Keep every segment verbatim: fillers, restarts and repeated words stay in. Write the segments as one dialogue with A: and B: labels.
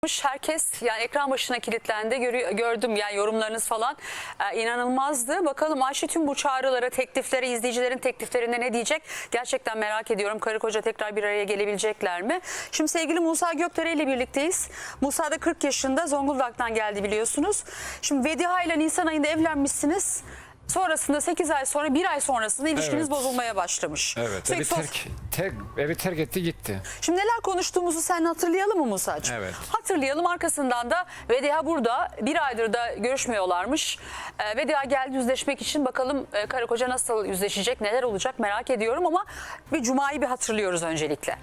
A: Herkes yani ekran başına kilitlendi. Görü- gördüm yani yorumlarınız falan ee, inanılmazdı. Bakalım Ayşe tüm bu çağrılara, tekliflere, izleyicilerin tekliflerine ne diyecek? Gerçekten merak ediyorum. Karı koca tekrar bir araya gelebilecekler mi? Şimdi sevgili Musa Gökdere ile birlikteyiz. Musa da kırk yaşında, Zonguldak'tan geldi biliyorsunuz. Şimdi Vediha ile Nisan ayında evlenmişsiniz. Sonrasında sekiz ay sonra, bir ay sonrasında ilişkiniz
B: Evet.
A: bozulmaya başlamış.
B: Evet,
A: Sürekli
B: evi
A: sos-
B: terk, terk, evi terk etti gitti.
A: Şimdi neler konuştuğumuzu sen hatırlayalım mı Musa'cığım?
B: Evet.
A: Hatırlayalım. Arkasından da Vediha burada bir aydır da görüşmüyorlarmış. Ee, Vediha geldi yüzleşmek için. Bakalım e, karı koca nasıl yüzleşecek, neler olacak merak ediyorum ama bir Cuma'yı bir hatırlıyoruz öncelikle.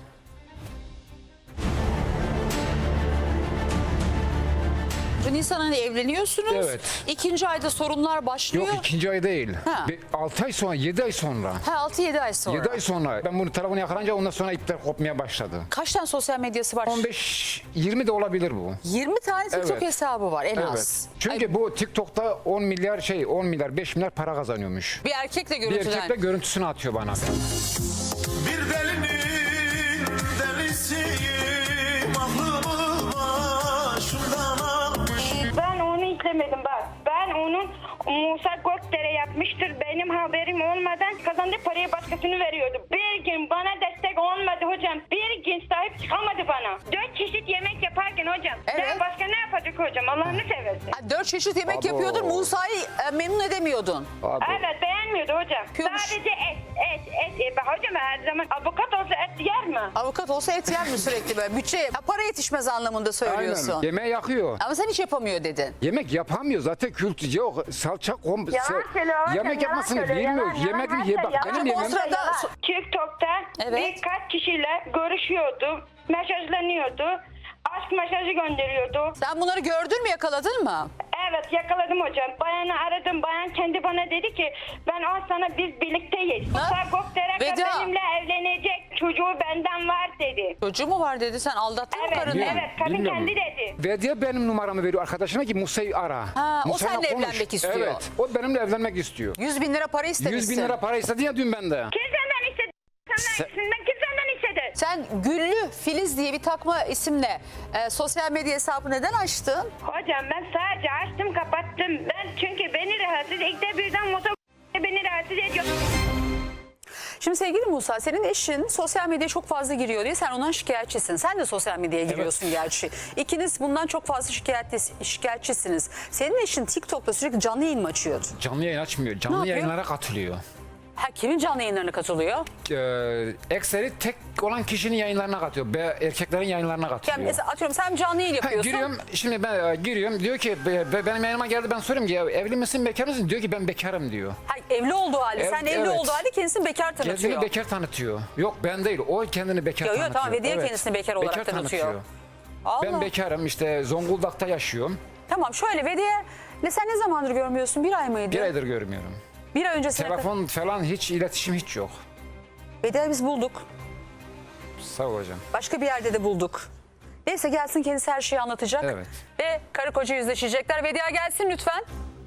A: Nisan ayında evleniyorsunuz.
B: Evet.
A: İkinci ayda sorunlar başlıyor.
B: Yok ikinci ay değil.
A: Ha.
B: altı ay sonra, yedi ay sonra.
A: Ha, altı yedi ay sonra.
B: yedi ay sonra. Ben bunu telefonu yakalayınca ondan sonra ipler kopmaya başladı.
A: Kaç tane sosyal medyası var?
B: on beş yirmi de olabilir bu.
A: yirmi tane TikTok
B: Evet.
A: hesabı var en
B: Evet.
A: az.
B: Çünkü
A: Ay,
B: bu TikTok'ta on milyar şey on milyar beş milyar para kazanıyormuş.
A: bir erkekle
B: Bir
A: görüntülen.
B: erkekle görüntüsünü atıyor bana.
C: Bir delinin delisiyim, aklımı başımdan almış.
D: Ben onu izlemedim bak. Ben onun Musa Gökdere yapmıştır. Benim haberim olmadan kazandığı parayı başkasını veriyordu. Bir gün bana destek olmadı hocam. Bir gün sahip çıkamadı bana. Dört çeşit yemek yaparken hocam.
A: Evet.
D: Sen başka ne yapacak hocam? Allah'ını seversin.
A: Ha, Dört çeşit yemek
B: Abo.
A: yapıyordun. Musa'yı e, memnun edemiyordun.
B: Abi,
D: Evet beğenmiyordu hocam.
A: Yapıyormuş.
D: Sadece et, et, et. et. Bak hocam her zaman avukat olsa et yer mi?
A: Avukat olsa et yer mi sürekli böyle? Bütçe, ya para yetişmez anlamında söylüyorsun.
B: aynen. Yemeği yakıyor.
A: Ama sen hiç yapamıyor dedin.
B: Yemek yapamıyor zaten kültü yok. Salça kom.
D: Yalan söylüyor hocam,
B: Yemek
D: yalan
B: yapmasını
D: söylüyor,
B: bilmiyor.
D: yalan, yalan,
B: Yemek
D: her
B: ye
D: şey
B: bak
D: yalan.
B: benim
A: Ama o
B: yemeğim.
A: sırada
D: TikTok'ta
A: Evet.
D: birkaç kişiyle görüşüyordu. Mesajlanıyordu. Aşk mesajı gönderiyordu.
A: sen bunları gördün mü, yakaladın mı?
D: Evet yakaladım hocam. Bayanı aradım. Bayan kendi bana dedi ki ben az sana biz birlikteyiz. Musa Gökdere
A: Veda.
D: benimle evlenecek. Çocuğu benden var dedi.
A: Çocuğu mu var dedi, sen aldattın mı
D: Evet,
A: karını?
B: Bilmiyorum,
D: evet kadın
B: bilmiyorum.
D: kendi dedi.
B: Ve diye benim numaramı veriyor arkadaşına ki Musa'yı ara.
A: Ha, o
B: Musa'yla
A: seninle
B: konuş.
A: evlenmek istiyor.
B: Evet, o benimle evlenmek istiyor.
A: yüz bin lira para istemişsin.
B: yüz bin lira para istedi ya dün benden.
D: Kim senden istedi?
B: Sen-
D: Senden, senden kim senden istedi?
A: Sen Güllü Filiz diye bir takma isimle e, sosyal medya hesabı neden açtın?
D: Hocam ben sadece açtım kapattım. Ben çünkü beni rahatsız ilk birden motor beni rahatsız ediyor.
A: Şimdi sevgili Musa, senin eşin sosyal medyaya çok fazla giriyor diye sen ondan şikayetçisin. Sen de sosyal medyaya giriyorsun gerçi. İkiniz bundan çok fazla şikayetli, şikayetçisiniz. Senin eşin TikTok'ta sürekli canlı yayın mı açıyordu?
B: Canlı yayın açmıyor.
A: Ne
B: Canlı
A: yapıyor?
B: yayınlara katılıyor.
A: Ha, kimin canlı yayınlarına katılıyor?
B: Ee, ekseri tek olan kişinin yayınlarına katıyor. Be, erkeklerin yayınlarına
A: Yani
B: katılıyor.
A: mesela atıyorum sen canlı yayın
B: Ha,
A: yapıyorsun.
B: giriyorum şimdi ben e, giriyorum diyor ki be- be- benim yayınıma geldi, ben soruyorum ki ya, evli misin bekar mısın, diyor ki ben bekarım diyor.
A: Ha, evli olduğu halde,
B: Ev-
A: sen evli
B: evet.
A: olduğu halde kendisini bekar tanıtıyor.
B: Kendini bekar tanıtıyor. Yok ben değil, o kendini bekar
A: Yo, yo,
B: tanıtıyor.
A: tamam, ve diğer kendisini bekar olarak tanıtıyor. Allah.
B: Ben bekarım, işte Zonguldak'ta yaşıyorum.
A: Tamam, şöyle ve diye ne, sen ne zamandır görmüyorsun? Bir ay mıydı?
B: Bir aydır görmüyorum.
A: Bir ay öncesine.
B: Telefon falan hiç, iletişim hiç yok.
A: Vedia'yı biz bulduk.
B: Sağ ol hocam.
A: Başka bir yerde de bulduk. Neyse gelsin, kendisi her şeyi anlatacak.
B: Evet.
A: Ve karı koca yüzleşecekler. Vedia gelsin lütfen.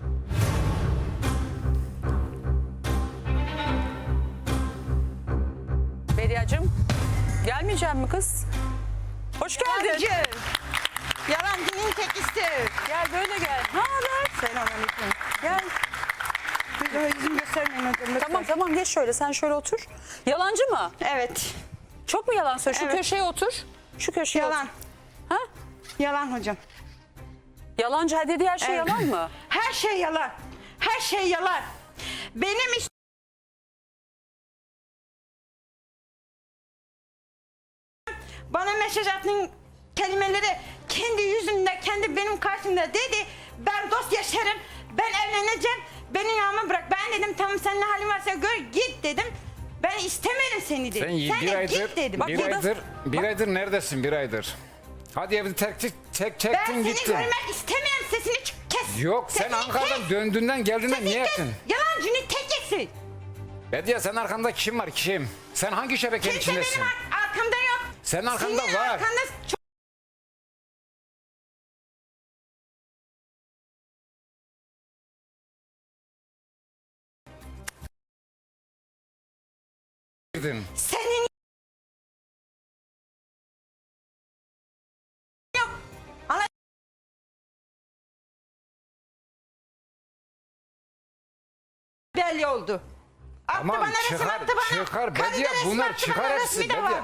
A: Vedia'cığım gelmeyecek mi kız? Hoş geldin.
E: Yalancı. Yalancının tekisi.
A: Gel böyle gel. Ne haber?
E: Selamünaleyküm.
A: Gel.
E: Böyle yüzüm göstermeyin hocam. lütfen.
A: Tamam tamam, geç şöyle, sen şöyle otur. Yalancı mı?
E: Evet.
A: Çok mu yalan söylüyor? Şu
E: Evet.
A: köşeye otur. Şu köşeye
E: Yalan.
A: otur. Ha?
E: Yalan hocam.
A: Yalancı, ha, dediği her şey
E: Evet.
A: yalan mı?
E: Her şey yalan. Her şey yalan. Benim iş... Bana mesaj attığın kelimeleri kendi yüzümde, kendi benim karşımda dedi. Ben dost yaşarım, ben evleneceğim, beni yanıma bırak. Ben dedim tamam, sen ne halin varsa gör git dedim. Ben istemedim seni dedim.
B: Sen,
E: Sen,
B: bir
E: de
B: aydır,
E: git dedim.
A: Bak
B: bir
A: burada-
B: aydır, bir aydır neredesin bir aydır? Hadi evi terk, tek, tek,
E: Ben
B: çektin
E: seni
B: gittin.
E: görmek istemiyorum, sesini ç- kes.
B: Yok sen
E: Sesini
B: Ankara'dan
E: kes.
B: döndüğünden geldiğinden
E: Sesini
B: niye
E: kes.
B: ettin?
E: Yalancının tekisin.
B: Bediye sen arkanda kim var kim? Sen hangi şebekenin
E: Kimse
B: içindesin?
E: benim ar- arkamda yok.
B: Senin arkanda
E: Senin
B: var.
E: arkanda çok...
B: Girdin.
E: Senin yok. belli oldu. Attı
B: Tamam,
E: bana resim
B: çıkar,
E: attı bana.
B: çıkar.
E: Karıda
B: Bediye,
E: resim
B: bunlar
E: attı
B: çıkar
E: bana,
B: hepsi,
E: resmi de
B: Bediye.
E: var.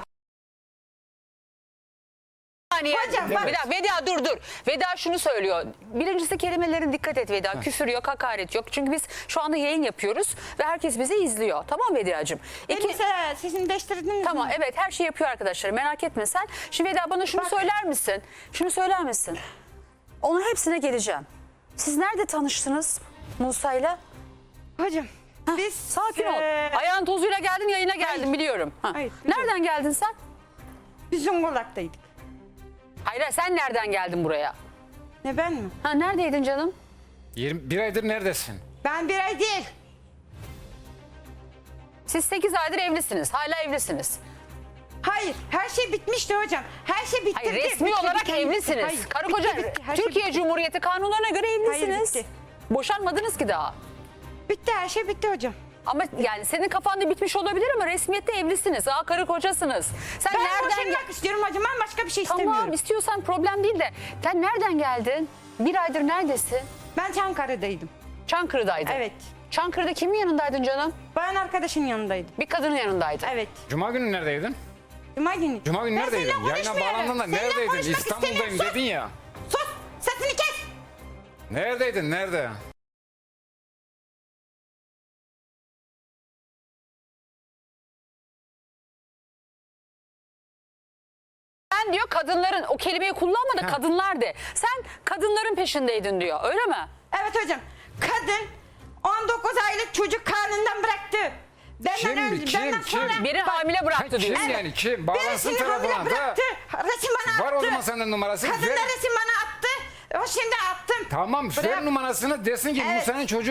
A: saniye.
E: Hocam,
A: Bir
E: bak.
A: dakika, Veda dur dur. Veda şunu söylüyor. Birincisi kelimelerin dikkat et Veda. Küfür yok, hakaret yok. Çünkü biz şu anda yayın yapıyoruz ve herkes bizi izliyor. Tamam Veda'cığım? İki...
E: Elbise sesini değiştirdiniz
A: Tamam
E: mi?
A: evet her şeyi yapıyor arkadaşlar. Merak etme sen. Şimdi Veda bana şunu
E: Bak.
A: söyler misin? Şunu söyler misin? Onun hepsine geleceğim. Siz nerede tanıştınız Musa'yla?
E: Hocam biz
A: Sakin ol.
E: eee,
A: Ayağın tozuyla geldin yayına geldin biliyorum. Ha.
E: Hayır, biliyorum.
A: Nereden geldin sen?
E: biz Zonguldak'taydık.
A: Hayır hayır, sen nereden geldin buraya?
E: Ne ben mi?
A: Ha neredeydin canım?
B: yirmi bir aydır neredesin?
E: Ben bir ay değil.
A: Siz sekiz aydır evlisiniz. Hala evlisiniz.
E: Hayır, her şey bitmişti hocam. Her şey bitti.
A: Hayır resmi olarak evlisiniz.
E: Hayır,
A: Karı
E: bitti,
A: koca
E: bitti. Her şey
A: Türkiye
E: bitti.
A: Cumhuriyeti kanunlarına göre evlisiniz.
E: bitti.
A: Boşanmadınız ki daha.
E: Bitti, her şey bitti hocam.
A: Ama yani senin kafanda bitmiş olabilir ama resmiyette evlisiniz. Aa karı kocasınız. Sen
E: Ben
A: nereden
E: boşanmak
A: gel-
E: istiyorum hocam. Ben başka bir şey
A: Tamam
E: istemiyorum.
A: istiyorsan problem değil de sen nereden geldin? Bir aydır neredesin?
E: Ben Çankırı'daydım.
A: Çankırı'daydın.
E: Evet.
A: Çankırı'da kimin yanındaydın canım?
E: Bayan arkadaşın yanındaydım.
A: Bir kadının yanındaydın.
E: Evet.
B: Cuma günü neredeydin?
E: Cuma günü.
B: Cuma günü
E: Ben
B: neredeydin?
E: seninle
B: Yayına
E: konuşmuyorum.
B: bağlandın da
E: Seninle
B: neredeydin?
E: konuşmak
B: İstanbul'dayım
E: istemiyorum.
B: dedin ya.
E: Sus! Sus! Sesini kes!
B: Neredeydin? Nerede?
A: Sen diyor kadınların o kelimeyi kullanma da
B: Ha.
A: kadınlar de. Sen kadınların peşindeydin diyor öyle mi?
E: Evet hocam. Kadın on dokuz aylık çocuk karnından bıraktı. Benden
B: Kim,
E: önce,
B: kim,
E: benden
B: kim?
E: sonra
A: Biri
E: Bak,
A: hamile bıraktı
B: Ha,
A: diyor.
B: kim yani kim? Bağlansın
E: birisini hamile
B: telefona. Da.
E: bıraktı. Resim bana
B: Var
E: attı.
B: o zaman senden numarası.
E: Kadın da
B: Ver.
E: resim bana attı. O şimdi attım.
B: Tamam
E: Bırak.
B: ver numarasını desin ki
E: Evet.
B: bu senin çocuğun.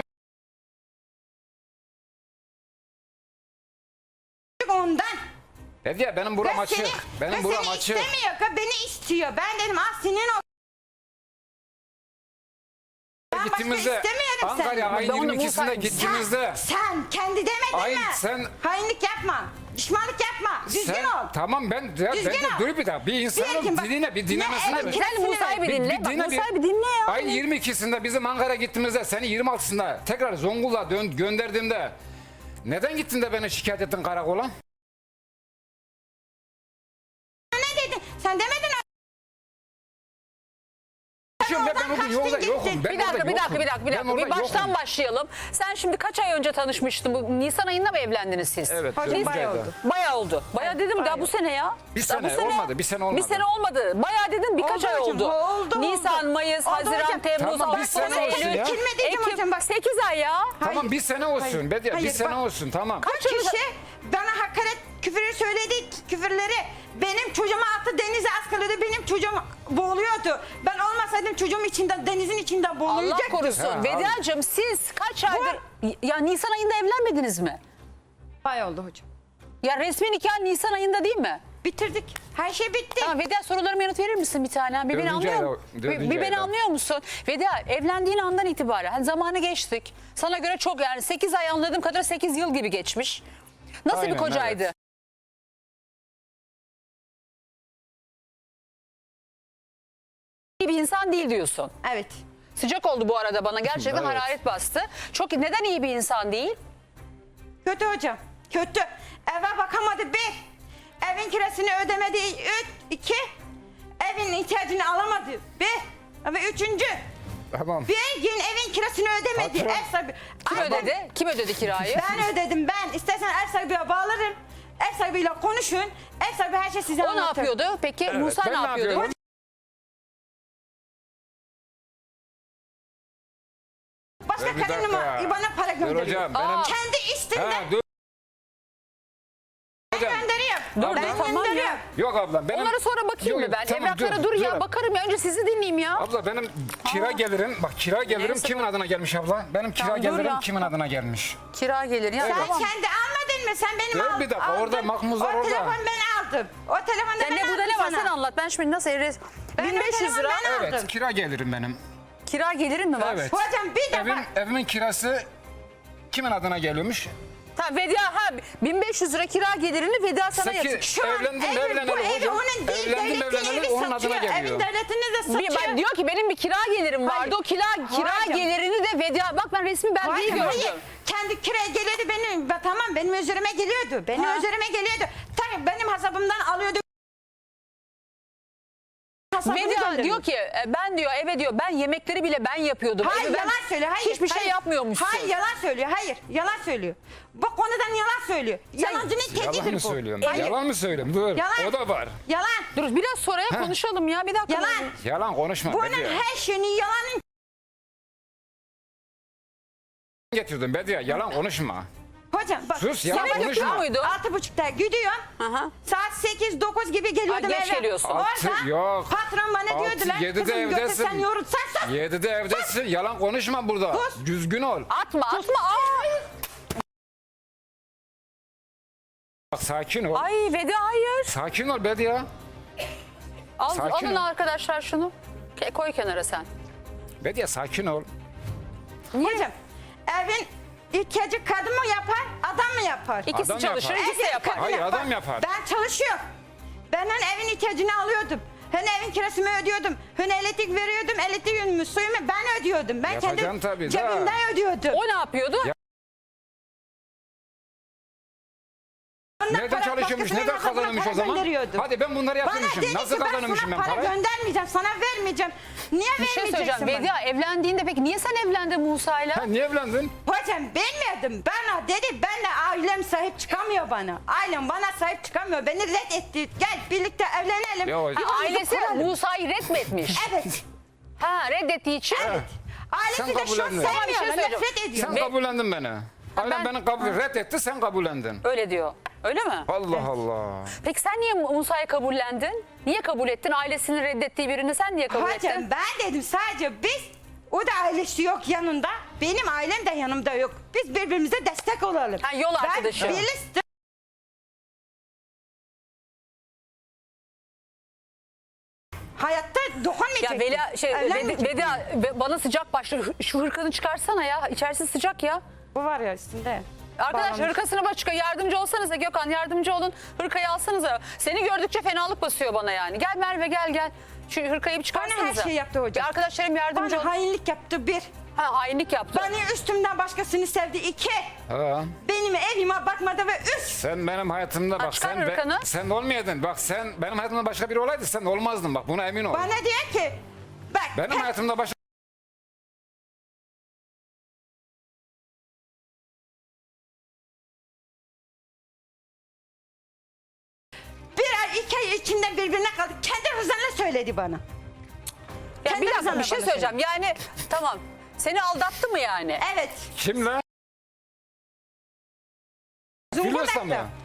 E: Ondan.
B: Dedi ya benim buram
E: Ve
B: açık.
E: seni,
B: Benim
E: ve
B: buram
E: seni
B: açık.
E: istemiyor. ka- Beni istiyor. Ben dedim ah senin o. Ben başka
B: Gittiğimizde
E: istemiyorum
B: Ankara'ya
E: seni.
B: ayın
A: Ben onu
B: yirmi ikisinde
A: bulsaydım.
B: gittiğimizde
E: Sen, sen kendi demedin
B: Ay,
E: mi?
B: sen-
E: Hainlik yapma. Düşmanlık yapma. Düzgün
B: sen,
E: ol.
B: tamam ben ya,
E: Düzgün
B: ben de
E: ol.
B: dur bir dakika bir
E: Bir
B: insanın
E: erkeğin bak-
B: dinle bir
E: Ne
B: dinlemesine
E: evin
B: bir.
A: Sen Musa'yı bir
B: Bir-
A: dinle.
B: bir
A: Bak
B: dinle bir-
A: Musa'yı bir dinle ya.
B: Ayın yirmi ikisinde bizim Ankara'ya gittiğimizde seni yirmi altısında tekrar Zonguldak'a dön, gönderdiğimde neden gittin de beni şikayet ettin karakola?
E: Ne dedin? Sen demedin mi?
B: Şimdi ben, ben
E: oradan
B: o gün
E: kaçtın
B: yolda
E: gittin.
B: yokum. Ben
A: Bir dakika,
B: orada
A: bir dakika,
B: yokum.
A: bir dakika, bir
B: Ben
A: dakika. Bir
B: orada
A: baştan
B: yokum.
A: başlayalım. Sen şimdi kaç ay önce tanışmıştın? Bu Nisan ayında mı evlendiniz siz?
B: Evet.
E: Hocam
B: dördüncü
E: bayağı
B: ayda.
E: oldu.
A: Bayağı oldu. Bayağı dedim daha
E: bayağı.
A: bu sene ya.
B: Bir
A: Daha bu
B: sene olmadı, bir sene olmadı.
A: Bir sene olmadı. Bayağı dedim birkaç
E: Oldu
A: ay
E: hocam,
A: oldu.
E: oldu,
A: Nisan,
E: oldu.
A: Mayıs,
E: Oldu
A: Haziran,
E: hocam.
A: Temmuz,
B: Tamam, bir
A: Ağustos,
B: sene olsun
A: Eylül,
B: ya.
E: Kilme diyeceğim hocam, bak.
A: sekiz ay ya.
B: Tamam bir sene olsun.
E: Hayır.
B: Bediye bir
E: Hayır,
B: sene
E: bak.
B: olsun tamam.
E: Kaç kişi bana hakaret küfürü söyledi, küfürleri benim çocuğuma attı, denize askılıyordu, benim çocuğum boğuluyordu. Ben olmasaydım çocuğum içinde, denizin içinde
A: Allah
E: boğulacaktı.
A: korusun.
B: Ha,
A: Vedacığım siz kaç aydır ya Nisan ayında evlenmediniz mi?
E: Bay oldu hocam.
A: Ya resmi nikah Nisan ayında değil mi?
E: Bitirdik. Her şey bitti.
A: Tamam Veda sorularıma yanıt verir misin bir tane? Bir beni
B: Dördüncü
A: anlıyor
B: ayda-
A: musun? Bir,
B: dördüncü
A: bir beni
B: ayda.
A: anlıyor musun? Veda evlendiğin andan itibaren hani zamanı geçtik. Sana göre çok yani sekiz ay anladığım kadar sekiz yıl gibi geçmiş. Nasıl
B: Aynen,
A: bir kocaydı?
B: evet.
A: İyi bir insan değil diyorsun.
E: Evet.
A: Sıcak oldu bu arada bana gerçekten
B: Evet.
A: hararet bastı. Çok neden iyi bir insan değil?
E: Kötü hocam. Kötü. Eve bakamadı bir. Evin kirasını ödemedi üç. iki. Evin ihtiyacını alamadı bir. Ve üçüncü.
B: Tamam.
E: Bir gün evin kirasını ödemedi.
B: Patron.
E: Ev sahibi.
A: Kim
E: Ay, ben-
A: ödedi? Kim ödedi kirayı?
E: Ben ödedim ben. İstersen ev sahibiyle bağlarım. Ev sahibiyle konuşun. Ev sahibi her şey size
A: O ne
E: anlatır.
A: yapıyordu? Peki Musa
B: ben
A: ne
B: ne
A: yapıyordu?
B: yapıyorum?
E: Başka
B: Dur bir
E: kadın
B: dakika.
E: mı bana para
B: Dur
E: gönderiyor?
B: hocam benim...
A: Aa.
E: Kendi isteğinden
B: Ha, dur. Hocam.
E: gönderiyor.
A: Dur,
E: ben
A: dur, tamam ya.
E: gönderiyorum.
B: Yok abla benim...
A: Onlara sonra bakayım
B: Yok,
A: mı ben?
B: tamam,
A: Evraklara dur, ya bakarım ya. Önce sizi dinleyeyim ya.
B: Abla benim kira gelirim, bak kira gelirim
A: Neyse.
B: kimin adına gelmiş abla? Benim kira
A: Tamam, dur
B: gelirim
A: ya.
B: kimin adına gelmiş?
A: Kira gelir ya.
E: Sen
A: Tamam.
E: kendi almadın mı? Sen benim
B: Dur
E: aldın.
B: bir dakika, orada mahmuzlar
E: o
B: orada.
E: telefon ben aldım. O telefonda
A: Sen
E: ben
A: ne
E: aldım
A: burada ne var
E: sana.
A: sen anlat. Ben şimdi nasıl evres...
E: Ben
A: bin beş yüz
E: o
A: lira
E: telefonu ben
B: Evet
E: aldım.
B: kira gelirim benim.
A: kira gelirin mi var?
B: Evet.
E: Hocam bir de
B: Evin,
E: bak.
B: evimin kirası kimin adına geliyormuş?
A: Tamam Vedia ha bin beş yüz lira kira gelirini Vedia sana
B: Seki-
A: yatır.
E: Şu an
B: Evlendim,
E: evi,
B: evleneli
E: bu evi
B: hocam.
E: onun değil.
B: Evlendim,
E: devletin
B: evleneli
E: evi
B: onun adına
E: satıyor.
B: geliyor.
E: Evin devletini de
A: Bir,
E: satıyor.
A: ben diyor ki benim bir kira gelirim
E: Hayır.
A: vardı. O kira kira
E: Hayır.
A: gelirini de Vedia bak ben resmi belgeyi
E: Hayır,
A: gördüm.
E: hayır. Kendi kiraya geliyordu benim. Ben- Tamam benim üzerime geliyordu. Benim
A: Ha.
E: üzerime geliyordu. Tabii benim hesabımdan alıyordu. Hesabımı
A: Vedia
E: gönderiyordu.
A: diyor ki e, ben diyor eve diyor ben yemekleri bile ben yapıyordum.
E: Hayır
A: Evi ben-
E: yalan söylüyor. Hayır.
A: Hiçbir şey
E: hayır.
A: yapmıyormuşsun.
E: Hayır yalan söylüyor. Hayır yalan söylüyor. Bu konudan yalan söylüyor. Yalancının tekidir
B: Yalan mı
E: bu.
B: söylüyorum?
E: Hayır.
B: Yalan mı söylüyorum? Dur.
E: Yalan.
B: O da var.
E: Yalan.
A: Dur biraz sonra ya konuşalım ya bir dakika.
E: Yalan.
B: Yalan konuşma.
E: Bunun
B: Bediye.
E: her şeyini yalanın.
B: Getirdim Bediye. Yalan konuşma.
E: Hocam bak.
B: Sus, yalan
E: sabah
B: konuşma.
E: gidiyor
A: muydu?
E: Altı buçukta gidiyorum.
A: Aha.
E: Saat sekiz dokuz gibi geliyordum
A: Ay, geç
E: eve.
A: geliyorsun.
E: Orada
B: Altı, yok.
E: patron bana
B: Altı,
E: diyordu lan.
B: yedide
E: Kızım
B: evdesin.
E: götürsen yorulsan sus.
B: Yedide evdesin. Yalan konuşma burada.
E: Sus.
B: Düzgün ol.
A: Atma atma. Aa!
B: Bak, sakin ol.
A: Ay Vedia hayır.
B: Sakin ol Bediye.
A: Al,
B: Sakin
A: alın
B: ol.
A: arkadaşlar şunu. Ke- Koy kenara sen.
B: Bediye sakin ol.
E: Hocam evin ihtiyacı kadın mı yapar adam mı yapar?
A: İkisi
B: Adam
A: çalışır
B: yapar.
A: ikisi de
E: Evin
A: yapar.
E: kadın
B: Hayır, adam yapar.
E: Ben çalışıyorum. Ben hani evin ihtiyacını alıyordum. Hani evin kirasını ödüyordum. Hani elektrik veriyordum. Elektriğimi, suyumu ben ödüyordum. Ben
B: Yapacaksın
E: kendi
B: tabii de.
E: cebimden ödüyordum.
A: O ne yapıyordu?
B: Ya-
E: Ondan
B: Nereden
E: para
B: çalışıyormuş,
E: başkasının
B: neden
E: hesabına
B: kazanıyormuş
E: para
B: o zaman?
E: gönderiyordum.
B: Hadi ben bunları
E: Bana
B: yapıyormuşum.
E: dedi
B: Nasıl
E: ki ben
B: kazanıyormuşum
E: sana
B: ben
E: para
B: parayı?
E: göndermeyeceğim, sana vermeyeceğim. Niye
A: Bir şey
E: vermeyeceksin
A: söyleyeceğim.
E: bana?
A: Vedia evlendiğinde peki niye sen evlendin Musa'yla?
B: Ha, niye evlendin?
E: Hocam bilmiyordum. Bana dedi ben de ailem sahip çıkamıyor bana. Ailem bana sahip çıkamıyor. Beni reddetti. Gel birlikte evlenelim.
B: Ya hocam-
A: Ha,
E: Yuvamızı
A: ailesi
E: kuralım.
A: Musa'yı reddetmiş.
E: Evet.
A: Ha reddettiği için.
E: Evet. Ailesi
B: Sen
E: de şu an
B: kabullendin.
A: Ama bir şey
E: sevmiyor.
A: söyleyeceğim.
E: Nefret ediyor.
B: Sen
A: Be-
B: kabullendin beni. Ailem
A: ben-
B: beni kabul reddetti, sen kabullendin.
A: Öyle diyor. Öyle mi?
B: Allah Allah.
A: Peki sen niye Musa'yı kabullendin? Niye kabul ettin? Ailesinin reddettiği birini sen niye kabul ettin?
E: Hocam ben dedim sadece biz o da ailesi yok yanında. Benim ailem de yanımda yok. Biz birbirimize destek olalım.
A: Ha, yol arkadaşı.
E: Ben birlikte hayatta dokunmayacak.
A: Ya Velia şey
E: Evlenmeyecek.
A: Vedia, Vedia, bana sıcak başladı. Şu hırkanı çıkarsana ya. İçerisi sıcak ya.
E: Bu var ya üstünde.
A: Arkadaş
E: Bağlamış.
A: hırkasına başka yardımcı olsanıza Gökhan yardımcı olun. Hırkayı alsanıza. Seni gördükçe fenalık basıyor bana yani. Gel Merve gel gel. Şu hırkayı bir çıkarsanıza.
E: Bana her şeyi yaptı hocam.
A: Bir arkadaşlarım yardımcı
E: Bana
A: olun.
E: hainlik yaptı bir.
A: Ha, hainlik yaptı.
E: Beni üstümden başkasını sevdi iki.
B: Ha.
E: Benim evime bakmadı ve üç.
B: Sen benim hayatımda bak
A: çıkar
B: sen be-
A: hırkanı.
B: sen olmayaydın. Bak sen benim hayatımda başka biri olaydı sen olmazdın bak buna emin ol.
E: Bana diyor ki bak
B: Benim
E: hep-
B: hayatımda başka
E: bir ay iki ay içinde birbirine kaldı. Kendi rızanla söyledi bana.
A: Ya
E: kendi
A: bir dakika
E: rızanla
A: bir şey
E: bana
A: söyleyeceğim. Yani tamam. Seni aldattı mı yani?
E: Evet.
B: kimle? Filyos'la mı?
E: Zonguldak'ta.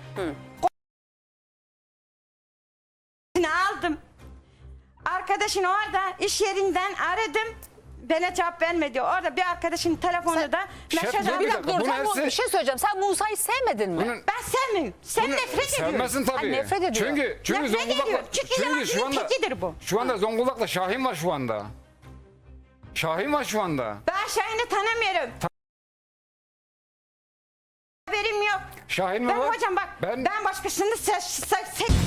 E: Seni aldım. Arkadaşın orada iş yerinden aradım. Bana cevap vermedi. Orada bir arkadaşın telefonu da
B: Şef,
E: mesaj
B: dur
E: aldım.
B: bir
A: Bir
B: dakika,
A: dakika dur.
B: bunu
A: Sen bu-
B: hepsi-
A: bir şey söyleyeceğim. Sen Musa'yı sevmedin mi?
B: Bunun-
E: Ben sevmiyorum. Sen
B: Bunu
E: nefret ediyorum.
B: Sevmezsin tabii.
A: Ay, nefret ediyor.
B: Çünkü çünkü
E: Nefret
B: Zonguldak'ta
E: ediyor. Çünkü yalancının
B: şu anda
E: tekidir bu.
B: şu anda Zonguldak'ta Şahin var şu anda. Şahin var şu anda.
E: Ben Şahin'i tanımıyorum. Haberim yok.
B: Şahin mi
E: Ben
B: var?
E: hocam bak
B: Ben
E: ben, başkasını se se se